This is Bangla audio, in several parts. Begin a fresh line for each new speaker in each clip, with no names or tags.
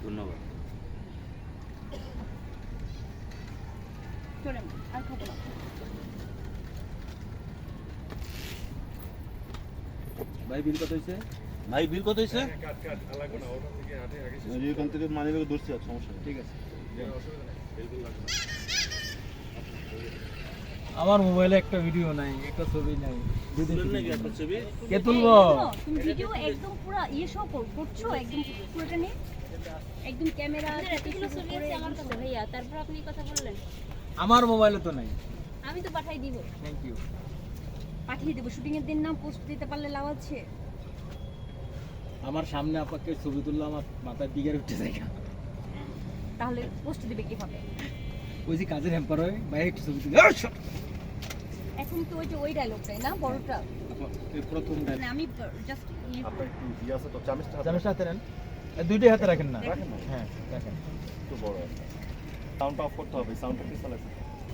ধন্যবাদ।
চলেন আর খাবো না।
ভাই বিল কত হয়েছে?
ভাই বিল কত হয়েছে?
এখান থেকে মানি ব্যাগে ধরছি, আর সমস্যা নেই।
ঠিক আছে।
আমার মোবাইলে একটা ভিডিও নাই, একটা ছবি নাই।
তুলেন নাকি একটা ছবি?
কে তুলবো?
তুমি ভিডিও একদম পুরো সব করছো, একদম পুরোটা নিয়ে একদম ক্যামেরা
এতগুলো ছবি আছে আমার কাছে ভাইয়া, তারপর আপনি কথা বললেন।
আমার মোবাইলে তো নাই।
আমি তো পাঠাই দিব।
Thank you.
পাঠিয়ে দেবো। শুটিং এর দিন না পোস্ট দিতে পারলে লাভ আছে।
আমার সামনে আপনাকে ছবি তুললে আমার মাথায় বিঘের উঠে যায়।
তাহলে পোস্ট দিবে কিভাবে?
ওই যে কাজের হ্যাম্পার হয়, ভাই একটু ছবি তুলে
এখন তো ওই ডায়লগটাই না বড়টা,
প্রথম
মানে আমি জাস্ট
ইয়ে আছে তো, চামচটা হাতে
চামচটা হাতে নেন। দুইটাই হাতে রাখেন না?
রাখেন না,
হ্যাঁ রাখেন।
একটু বড় একটা সাউন্ডটা অফ করতে হবে। সাউন্ডটা কি চালাচ্ছে?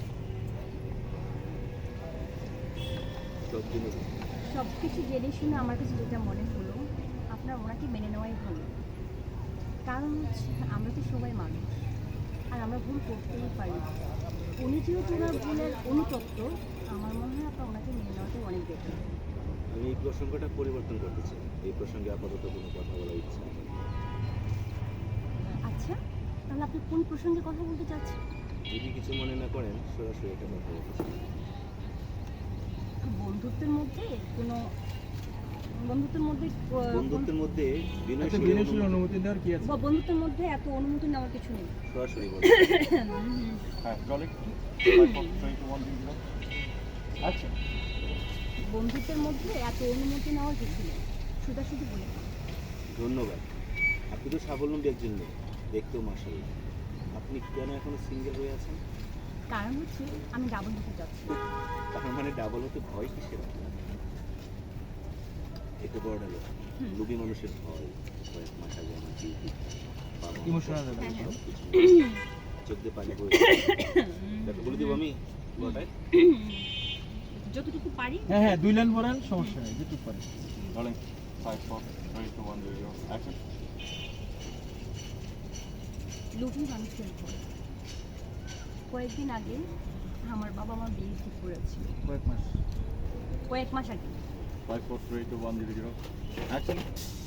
সব কিছু জেনে শুনে আমার কাছে যেটা মনে হলো, আপনার ওনাকে মেনে নেওয়াই ভালো। কারণ হচ্ছে আমরা তো সবাই মানুষ, আর আমরা ভুল করতেই পারি। উনি যেহেতু ওনার ভুলের অনুতপ্ত, আমার মনে হয় আপনার ওনাকে মেনে নেওয়াটাই অনেক বেটার।
আমি এই প্রসঙ্গটা পরিবর্তন করতে চাই। এই প্রসঙ্গে আপাতত কোনো কথা বলার ইচ্ছা নেই।
আচ্ছা, তাহলে আপনি কোন প্রসঙ্গে কথা বলতে চাচ্ছেন?
যদি কিছু মনে না করেন, সরাসরি এটা কথা বলতে চাই।
বন্ধুত্বের মধ্যে কোনো বন্ধুত্বের মধ্যে
বন্ধুত্বের মধ্যে
আচ্ছা,
বিনয়শীল
বিনয়শীল অনুমতি দেওয়ার কি আছে?
বন্ধুত্বের মধ্যে এত অনুমতি নেওয়ার কিছু নেই।
সরাসরি বলুন।
হ্যাঁ, ট্রলি 5 4 3 2 1 0।
আচ্ছা,
বন্ধুত্বের মধ্যে এত অনুমতি নেওয়ার কিছু নেই, শুধু বলে।
ধন্যবাদ। আপনি তো স্বাবলম্বী একজন মেয়ে, দেখতেও মাশাআল্লাহ। আপনি কেন এখনো সিঙ্গেল হয়ে আছেন?
কারণ হচ্ছে আমি ডাবল হতে যাচ্ছি।
তার মানে ডাবল হতে ভয় কিসের আপনার? এটা বড় হলো লোভী মানুষের ভয়। কয়েক মাস আগে আমার ডিউটি
ইমোশনাল
চোখ দিয়ে পানি বই বলে দিব আমি গোটায়।
যতটুকু পারি।
হ্যাঁ হ্যাঁ, 2 লাইন পড়েন, সমস্যা নেই, যেটুকু পারেন।
Trolley 5 4 3 2 1 0 action.
লোভী মানুষের ভয়। কয়েকদিন আগে আমার বাবা মা বিয়ে ঠিক করেছিল, কয়েক মাস আগে।
5 4 3 2 1 0 অ্যাকশন।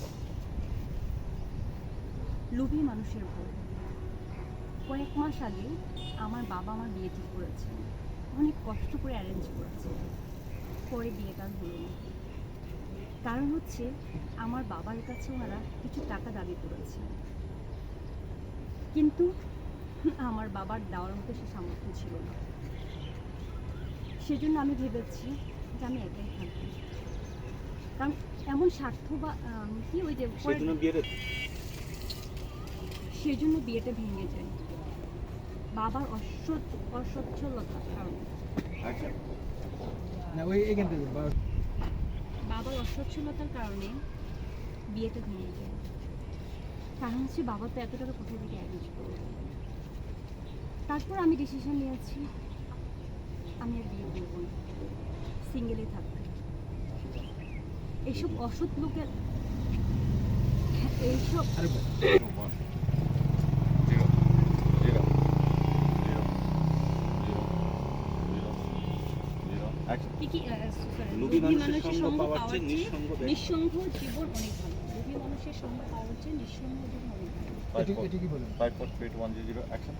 লোভী মানুষের ভয়। কয়েক মাস আগে আমার বাবা আমার বিয়ে ঠিক করেছে, অনেক কষ্ট করে অ্যারেঞ্জ করেছে। পরে বিয়েটা হলো না। কারণ হচ্ছে আমার বাবার কাছে ওনারা কিছু টাকা দাবি করেছে, কিন্তু আমার বাবার দেওয়ার মতো সে সামর্থ্য ছিল না। সেজন্য আমি ভেবেছি যে আমি একাই থাকবো। কারণ এমন স্বার্থ বা কি ওই যে সেজন্য বিয়েটা ভেঙে যায় বাবার অসচ্ছলতার কারণে।
অ্যাকশন।
না ওই এখান থেকে
বাবার অসচ্ছলতার কারণে বিয়েটা ভেঙে যায়। কারণ হচ্ছে বাবা তো এত টাকা কোথা থেকে অ্যারেঞ্জ করবে। তারপর আমি ডিসিশন নিয়েছি আমি আর বিয়ে করবো না, সিঙ্গেলে থাকবো। এইসব অসৎ লোকের এইসব
লোভী মানুষের সঙ্গ পাওয়ার চেয়ে
নিঃসঙ্গ জীবন অনেক ভালো। লোভী মানুষের সঙ্গ পাওয়ার চেয়ে নিঃসঙ্গ জীবন অনেক ভালো।
এটা কি বলেন?
5 4 3 2 1 0 অ্যাকশন।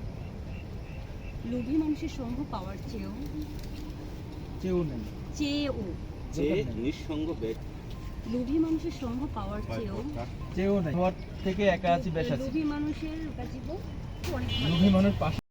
লোভী মানুষের সঙ্গ পাওয়ার চেয়েও
নেই।
নিঃসঙ্গ ব্যক্তি।
লোভী মানুষের সঙ্গ পাওয়ার চেয়েও
নেই। থেকে একা আছি, বেশ আছি।
লোভী মানুষের জীবন অনেক ভালো।
লোভী মানুষ পাশে